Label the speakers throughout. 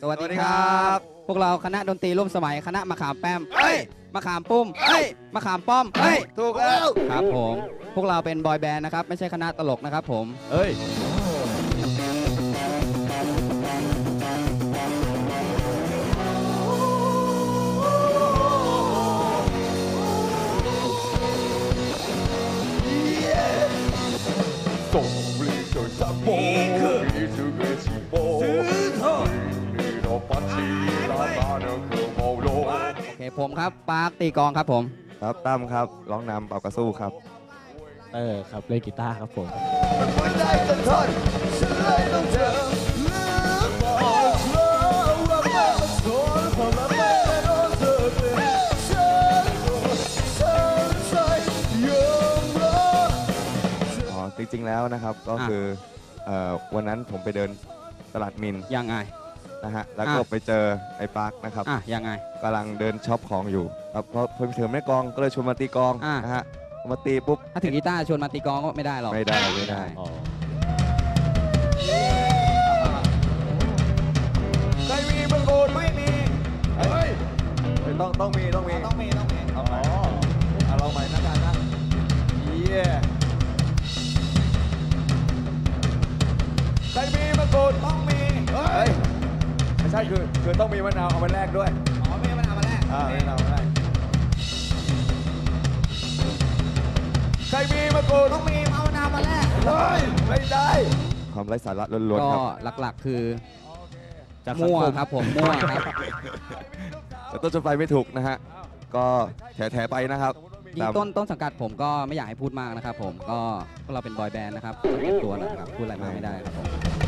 Speaker 1: วัสดีครับ พวกเราคณะดนตรีร่วมสมัยคณะมะขามแป้มมะขามปุ้มมะขามป้อม
Speaker 2: ถูกแล้ว
Speaker 1: ครับผมพวกเราเป็นบอยแบนด์นะครับไม่ใช่คณะตลกนะครับผมโอเคผมครับปาร์คตีกองครับผม
Speaker 2: ครับตั้มครับร้องนำเป่ากระสู้ครับ
Speaker 3: ครับเล่นกีตาร์ครับผม
Speaker 2: จริงๆแล้วนะครับก็คือวันนั้นผมไปเดินตลาดมิน
Speaker 1: ยังไง
Speaker 2: นะฮะแล้วก็ไปเจอไอ้ปาร์คนะครับ
Speaker 1: ยังไง
Speaker 2: กำลังเดินช็อปของอยู่ครับเพราะเพิ่งถึงแม่กองก็เลยชวนมาตีกองนะฮะมาตีปุ๊บ
Speaker 1: ถ้าถึงกีตาร์ชวนมาตีกองก็ไม่ได้หรอก
Speaker 2: ไม่ได้ใครมีบางโกนไม่มีต้องมีเอาเราใหม่นะกันนะใครมีมะกรูดต้องมีไม่ใช่คือต้องมีมะนาวเอามาแลกด้วย
Speaker 1: ไม่มะนาวมาแลก
Speaker 2: มะนาวมาแลกใครมีมะกรูด
Speaker 1: ต้องมีเอามะนาวมาแลก
Speaker 2: ไม่ได้ความไร้สาระล้วนๆครับ
Speaker 1: ก็หลักๆคือมั่วครับผมมั่วครับ
Speaker 2: แต่ต้นจนไปไม่ถูกนะฮะก็แถไปนะครับ
Speaker 1: ยิ่งต้นสังกัดผมก็ไม่อยากให้พูดมากนะครับผมก็เราเป็นบอยแบนด์นะครับเก็บตัวนะครับพูดอะไรมากไม่ได้ครับผม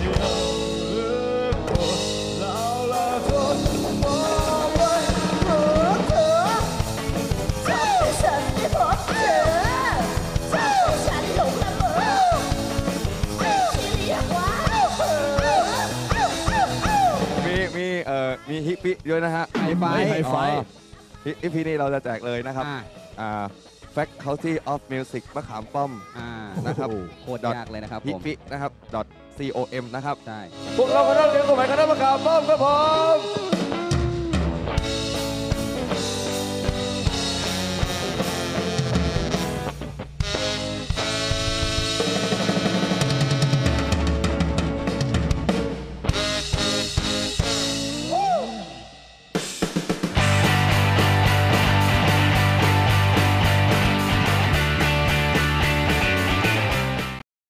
Speaker 2: มีฮิปปี้ด้วยนะฮะ
Speaker 1: ไฮไฟ
Speaker 2: ฮิปปี้นี่เราจะแจกเลยนะครับFaculty of Music มะขามป้อมนะครับ
Speaker 1: โคตรยากเลยนะครับผม
Speaker 2: ฮิปปี้นะครับ.com นะครับ
Speaker 1: ใช่
Speaker 2: พวกเราก็ต้องเรียนสมัยคณะมะขามป้อมครับผม